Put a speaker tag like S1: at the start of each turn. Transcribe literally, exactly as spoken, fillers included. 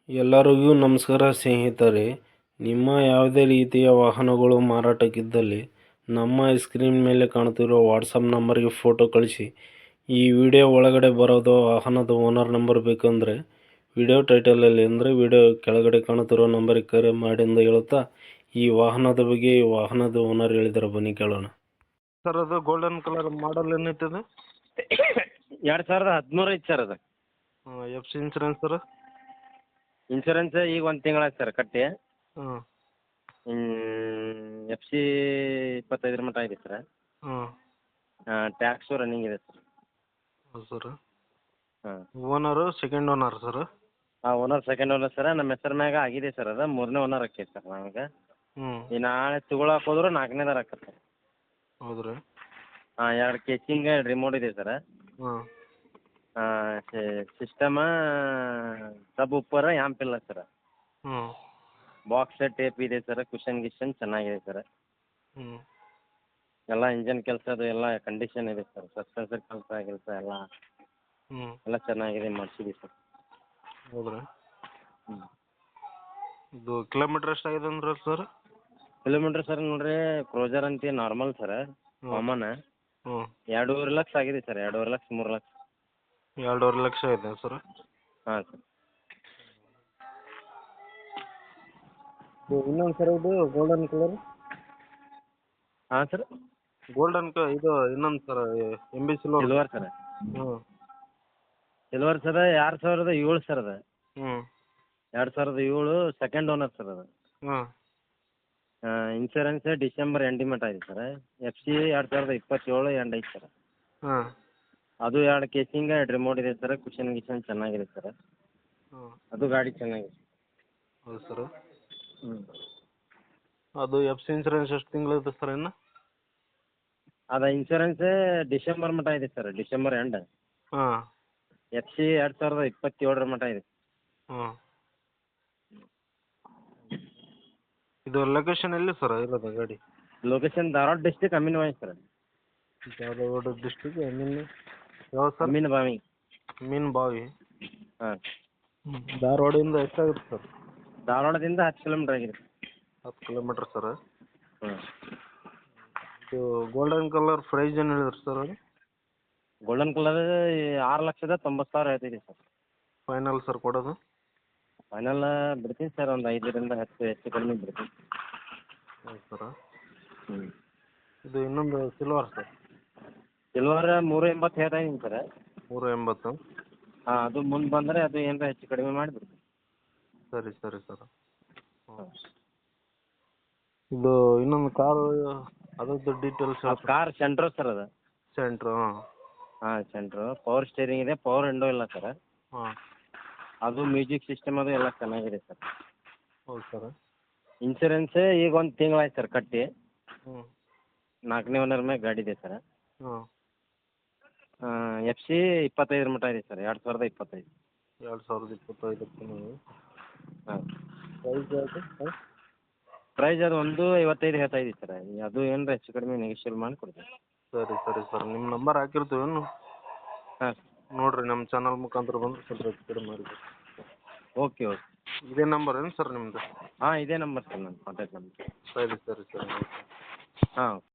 S1: ಎಲ್ಲರಿಗೂ ನಮಸ್ಕಾರ ಸ್ನೇಹಿತರೆ. ನಿಮ್ಮ ಯಾವುದೇ ರೀತಿಯ ವಾಹನಗಳು ಮಾರಾಟಕ್ಕಿದ್ದಲ್ಲಿ ನಮ್ಮ ಸ್ಕ್ರೀನ್ ಮೇಲೆ ಕಾಣುತ್ತಿರುವ ವಾಟ್ಸಪ್ ನಂಬರ್ಗೆ ಫೋಟೋ ಕಳಿಸಿ. ಈ ವಿಡಿಯೋ ಒಳಗಡೆ ಬರೋದು ವಾಹನದ ಓನರ್ ನಂಬರ್ ಬೇಕಂದರೆ ವಿಡಿಯೋ ಟೈಟಲಲ್ಲಿ ಅಂದರೆ ವಿಡಿಯೋ ಕೆಳಗಡೆ ಕಾಣುತ್ತಿರೋ ನಂಬರಿಗೆ ಕರೆ ಮಾಡಿ ಎಂದು ಹೇಳುತ್ತಾ ಈ ವಾಹನದ ಬಗ್ಗೆ ಈ ವಾಹನದ ಓನರ್ ಹೇಳಿದರೆ ಬನ್ನಿ ಕೇಳೋಣ. ಸರ್ ಅದು ಗೋಲ್ಡನ್ ಕಲರ್ ಮಾಡಲ್ ಏನೈತದೆ?
S2: ಎರಡು ಸಾವಿರದ ಹದಿಮೂರು ಐತೆ ಸರ್ ಅದು.
S1: F C insurance sir?
S2: Insurance ಈಗ ಒಂದು ತಿಂಗಳಾಯ್ತು ಸರ್ ಕಟ್ಟಿ.
S1: ಹ್ಞೂ
S2: ಎಫ್ ಸಿ ಇಪ್ಪತ್ತೈದರ ಮಟ್ಟ ಇದೆ ಸರ್.
S1: ಹ್ಞೂ
S2: ಟ್ಯಾಕ್ಸು ರನ್ನಿಂಗ್ ಇದೆ ಸರ್.
S1: ಹೌದು ಸರ್.
S2: ಹಾಂ
S1: ಓನರು ಸೆಕೆಂಡ್ ಓನರ್ ಸರ್?
S2: ಹಾಂ ಓನರ್ ಸೆಕೆಂಡ್ ಓನರ್ ಸರ್. ನಮ್ಮ ಹೆಸರು ಮ್ಯಾಗ ಆಗಿದೆ ಸರ್ ಅದು. ಮೂರನೇ ಓನರ್ ಆಕೈತೆ ಸರ್ ನಮಗೆ.
S1: ಹ್ಞೂ
S2: ಈ ನಾಳೆ ತೊಗೊಳಕ್ಕೆ ಹೋದ್ರೆ ನಾಲ್ಕನೇದಾರ ಆಕತ್ತೆ ಸರ್.
S1: ಹೌದು ರೀ.
S2: ಹಾಂ ಎರಡು ಕೇಚಿಂಗ್ ಎರಡು ರಿಮೋಟ್ ಇದೆ ಸರ್.
S1: ಹಾಂ
S2: ಸಿಸ್ಟಮ ಸಬ್ ಉಪ್ಪರ ಯಾಂಪಿಲ್ಲ ಸರ್.
S1: ಹ್ಞೂ
S2: ಬಾಕ್ಸ್ ಟೇಪ್ ಇದೆ ಸರ್. ಕುಷನ್ ಗಿಷನ್ ಚೆನ್ನಾಗಿದೆ ಸರ್.
S1: ಹ್ಞೂ
S2: ಎಲ್ಲ ಇಂಜನ್ ಕೆಲಸ ಅದು ಎಲ್ಲ ಕಂಡೀಷನ್ ಇದೆ ಸರ್. ಸಸ್ಪೆನ್ಸರ್ ಕೆಲಸ ಕೆಲಸ ಎಲ್ಲ
S1: ಹ್ಞೂ
S2: ಎಲ್ಲ ಚೆನ್ನಾಗಿದೆ ಮಾಡಿಸಿದ್ದೀವಿ ಸರ್.
S1: ಹೌದ್ರಾ?
S2: ಹ್ಞೂ
S1: ಇದು ಕಿಲೋಮೀಟ್ರ್ ಎಷ್ಟಾಗಿದೆ ಅಂದ್ರೆ ಸರ್?
S2: ಕಿಲೋಮೀಟ್ರ್ ಸರ್ ನೋಡಿರಿ, ಕ್ರೋಜರ್ ಅಂತ ನಾರ್ಮಲ್ ಸರ್, ಕಾಮನ್
S1: ಹ್ಞೂ
S2: ಎರಡೂವರೆ ಲಕ್ಷ ಆಗಿದೆ ಸರ್. ಎರಡೂವರೆ ಲಕ್ಷ ಮೂರು ಲಕ್ಷ.
S1: ಎರಡೂವರೆ ಲಕ್ಷ ಇದೆ ಸರ್.
S2: ಹಾಂ ಸರ್.
S1: ಇನ್ನೊಂದು ಸರ್ ಇದು ಗೋಲ್ಡನ್ ಕಲರ್?
S2: ಹಾಂ ಸರ್.
S1: ಗೋಲ್ಡನ್ ಕ ಇದು ಇನ್ನೊಂದು sir M B silver.
S2: Silver sir.
S1: ಹ್ಞೂ
S2: ಸಿಲ್ವರ್ ಸರ್ ಎರಡು ಸಾವಿರದ ಏಳು ಸರ್ ಅದು.
S1: ಹ್ಞೂ
S2: ಎರಡು ಸಾವಿರದ ಏಳು ಸೆಕೆಂಡ್ ಓನರ್ ಸರ್ ಅದು.
S1: ಹಾಂ
S2: ಇನ್ಶೂರೆನ್ಸ್ ಡಿಸೆಂಬರ್ ಎಂಡಿಂಗ್ ಮಟ್ಟ ಇದೆ ಸರ್. ಎಫ್ ಸಿ ಎರಡು ಸಾವಿರದ ಇಪ್ಪತ್ತೇಳು ಎಂಡ್ ಐತೆ ಸರ್.
S1: ಹಾಂ
S2: ಅದು ಎರಡು ಕೇಸಿಂಗ್ ಎರಡು ರಿಮೋಟ್ ಇದೆ ಸರ್. ಕುಷನ್ ಗಿಷನ್ ಚೆನ್ನಾಗಿದೆ ಸರ್.
S1: ಹಾಂ
S2: ಅದು ಗಾಡಿ ಚೆನ್ನಾಗಿದೆ.
S1: ಹೌದು ಸರ್.
S2: ಹ್ಞೂ
S1: ಅದು ಎಫ್ ಸಿ ಇನ್ಸೂರೆನ್ಸ್ ಎಷ್ಟು ತಿಂಗಳಿದೆ ಸರ್ ಇನ್ನು?
S2: ಅದು ಇನ್ಶೂರೆನ್ಸ್ ಡಿಸೆಂಬರ್ ಮಟ್ಟ ಇದೆ ಸರ್. December end.
S1: ಹಾಂ
S2: ಎಫ್ ಸಿ ಎರಡು ಸಾವಿರದ ಇಪ್ಪತ್ತೇಳರ ಮಟ್ಟ ಇದೆ.
S1: ಹಾಂ ಇದು ಲೊಕೇಶನ್ ಎಲ್ಲಿ ಸರ್ ಇರೋದು ಗಾಡಿ?
S2: Location Dharwad district Aminbhavi sir.
S1: Dharwad district ಮೀನ್ ಯಾವ ಸರ್?
S2: ಅಮೀನ್ ಬಾವಿ.
S1: ಮೀನ್ ಬಾವಿ.
S2: ಹಾಂ
S1: ಧಾರವಾಡದಿಂದ ಎಷ್ಟಾಗುತ್ತೆ ಸರ್?
S2: ಧಾರವಾಡದಿಂದ ಹತ್ತು ಕಿಲೋಮೀಟ್ರ್ ಆಗಿದೆ.
S1: ಹತ್ತು ಕಿಲೋಮೀಟ್ರ್ ಸರ್.
S2: ಹ್ಞೂ
S1: ಇದು ಗೋಲ್ಡನ್ ಕಲರ್ ಪ್ರೈಸ್ ಏನು ಹೇಳಿದ್ರಿ ಸರ್ ಅದು?
S2: ಗೋಲ್ಡನ್ ಕಲರ್ ಆರು ಲಕ್ಷದ ತೊಂಬತ್ತು ಸಾವಿರ ಹೇಳ್ತಿದ್ದೀವಿ ಸರ್.
S1: ಫೈನಲ್ ಸರ್ ಕೊಡೋದು?
S2: ಫೈನಲ್ ಬಿಡ್ತೀನಿ ಸರ್, ಒಂದು ಐದರಿಂದ ಹತ್ತು ಹೆಚ್ಚು ಕಡಿಮೆ ಬಿಡ್ತೀನಿ.
S1: ಹೌದು ಸರ್.
S2: ಹ್ಞೂ
S1: ಇದು ಇನ್ನೊಂದು ಸಿಲ್ವರ್ ಸರ್?
S2: ಸಿಲ್ವರ್ ಮೂರು ಎಂಬತ್ತು ಹೇಳ್ತಾ ಇದ್ದೀನಿ ಸರ್.
S1: ಮೂರು ಎಂಬತ್ತು?
S2: ಹಾಂ ಅದು ಮುಂದೆ ಬಂದರೆ ಅದು ಏನಾರ ಹೆಚ್ಚು ಕಡಿಮೆ ಮಾಡಿಬಿಡ್ತೀನಿ.
S1: ಸರಿ ಸರಿ ಸರ್.
S2: ಹಾಂ
S1: ಇದು ಇನ್ನೊಂದು ಕಾರು ಅದ್ರದ್ದು ಡೀಟೇಲ್ಸ್ ಹೇಳ್ತೀರಾ?
S2: ಕಾರ್ ಸೆಂಟ್ರೋ ಸರ್ ಅದು.
S1: ಸೆಂಟ್ರು? ಹಾಂ
S2: ಹಾಂ ಸೆಂಟ್ರೋ ಪವರ್ ಸ್ಟೇರಿಂಗ್ ಇದೆ, ಪವರ್ ವಿಂಡೋ ಇಲ್ಲ ಸರ್.
S1: ಹಾಂ
S2: ಅದು ಮ್ಯೂಸಿಕ್ ಸಿಸ್ಟಮ್ ಅದು ಎಲ್ಲ ಚೆನ್ನಾಗಿದೆ ಸರ್.
S1: ಹೌದು ಸರ್.
S2: ಇನ್ಶೂರೆನ್ಸ್ ಈಗ ಒಂದು ತಿಂಗಳಾಯ್ತು ಸರ್ ಕಟ್ಟಿ.
S1: ಹ್ಞೂ
S2: ನಾಲ್ಕನೇ ಓನರ್ ಮೇಲೆ ಗಾಡಿ ಇದೆ ಸರ್.
S1: ಹಾಂ
S2: ಎಫ್ ಸಿ ಇಪ್ಪತ್ತೈದರ ಮಟ್ಟ ಇದೆ ಸರ್. ಎರಡು ಸಾವಿರದ ಇಪ್ಪತ್ತೈದು.
S1: ಎರಡು ಸಾವಿರದ ಇಪ್ಪತ್ತೈದಕ್ಕೆ ನೀವು
S2: ಹಾಂ
S1: ಪ್ರೈಸ್ ಯಾವುದು ಸರ್?
S2: ಪ್ರೈಸ್ ಅದು ಒಂದು ಐವತ್ತೈದು ಹೇಳ್ತಾ ಇದ್ದೀವಿ ಸರ್. ಅದು ಏನಾರ ಹೆಚ್ಚು ಕಡಿಮೆ ನೆಗೋಷಿಯೇಟ್ ಮಾಡಿ ಕೊಡ್ತೀವಿ.
S1: ಸರಿ ಸರಿ ಸರ್. ನಿಮ್ಮ ನಂಬರ್ ಹಾಕಿರ್ತೀವೇನು
S2: ಹಾಂ
S1: ನೋಡಿರಿ, ನಮ್ಮ ಚಾನಲ್ ಮುಖಾಂತರ ಬಂದರೆ ಸ್ವಲ್ಪ ಹೆಚ್ಚು ಕಡಿಮೆ ಮಾಡಿರಿ.
S2: Okay okay.
S1: ಇದೇ ನಂಬರ್ ಏನು ಸರ್ ನಿಮ್ಮದು?
S2: ಹಾಂ ಇದೇ ನಂಬರ್ ಸರ್ ನನ್ನ ಕಾಂಟ್ಯಾಕ್ಟ್ ನಂಬರ್.
S1: ಸರಿ ಸರಿ ಸರಿ.
S2: ಹಾಂ